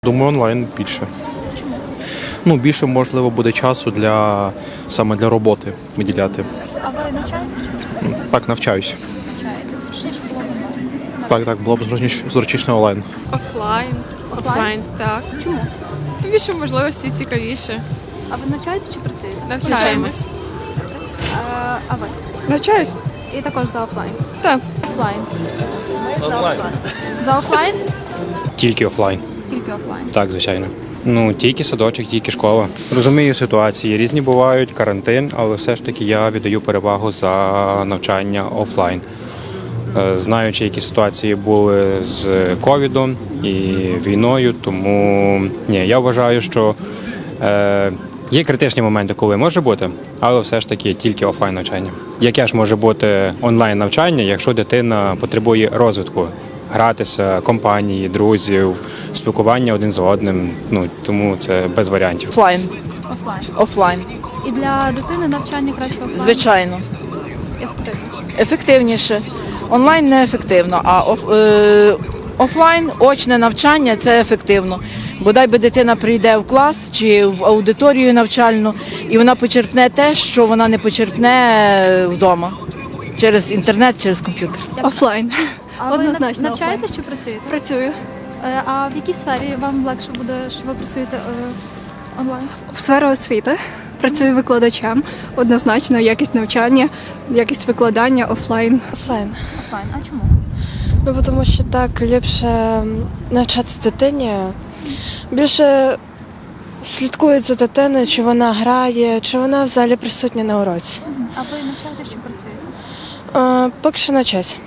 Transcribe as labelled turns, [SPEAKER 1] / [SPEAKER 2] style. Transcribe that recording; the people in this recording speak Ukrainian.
[SPEAKER 1] думаю, онлайн більше.
[SPEAKER 2] Чому?
[SPEAKER 1] Ну, більше, можливо, буде часу саме для роботи виділяти.
[SPEAKER 2] А ви навчаєтесь чи працюєте?
[SPEAKER 1] Так, навчаюсь.
[SPEAKER 2] Навчаєтесь. Зручніше було б онлайн.
[SPEAKER 1] Так, було б зручніше онлайн.
[SPEAKER 3] Офлайн.
[SPEAKER 2] Офлайн?
[SPEAKER 3] Так.
[SPEAKER 2] Чому?
[SPEAKER 3] Більше можливості цікавіше.
[SPEAKER 2] А ви навчаєтесь чи працюєте?
[SPEAKER 3] Навчаємось.
[SPEAKER 2] А ви?
[SPEAKER 3] Навчаюсь?
[SPEAKER 2] І також за офлайн?
[SPEAKER 3] Так.
[SPEAKER 2] Офлайн. За офлайн?
[SPEAKER 4] Тільки офлайн.
[SPEAKER 2] Тільки офлайн.
[SPEAKER 4] Так, звичайно. Ну, тільки садочок, тільки школа. Розумію ситуації, різні бувають, карантин, але все ж таки я віддаю перевагу за навчання офлайн. Знаючи, які ситуації були з ковідом і війною, тому я вважаю, що є критичні моменти, коли може бути, але все ж таки тільки офлайн навчання. Яке ж може бути онлайн навчання, якщо дитина потребує розвитку? Гратися, компанії, друзів, спілкування один з одним. Ну тому це без варіантів.
[SPEAKER 5] Офлайн.
[SPEAKER 2] Офлайн.
[SPEAKER 5] Офлайн.
[SPEAKER 2] І для дитини навчання краще офлайн?
[SPEAKER 5] Звичайно.
[SPEAKER 2] Ефективніше.
[SPEAKER 5] Ефективніше. Онлайн не ефективно, а офлайн, очне навчання це ефективно. Бодай би дитина прийде в клас чи в аудиторію навчальну, і вона почерпне те, що вона не почерпне вдома. Через інтернет, через комп'ютер.
[SPEAKER 6] Офлайн.
[SPEAKER 2] А ви
[SPEAKER 6] Однозначно
[SPEAKER 2] навчаєтесь чи працюєте?
[SPEAKER 6] Працюю
[SPEAKER 2] А в якій сфері вам легше буде, що ви працюєте онлайн?
[SPEAKER 6] в сфері освіти, працюю викладачем. Однозначно, якість навчання, якість викладання офлайн.
[SPEAKER 7] Офлайн.
[SPEAKER 2] Офлайн. А чому?
[SPEAKER 7] Ну, тому що так ліпше навчати дитині. Більше слідкують за дитиною, чи вона грає, чи вона взагалі присутня на уроці.
[SPEAKER 2] А ви навчаєтесь чи працюєте?
[SPEAKER 7] Поки що на час.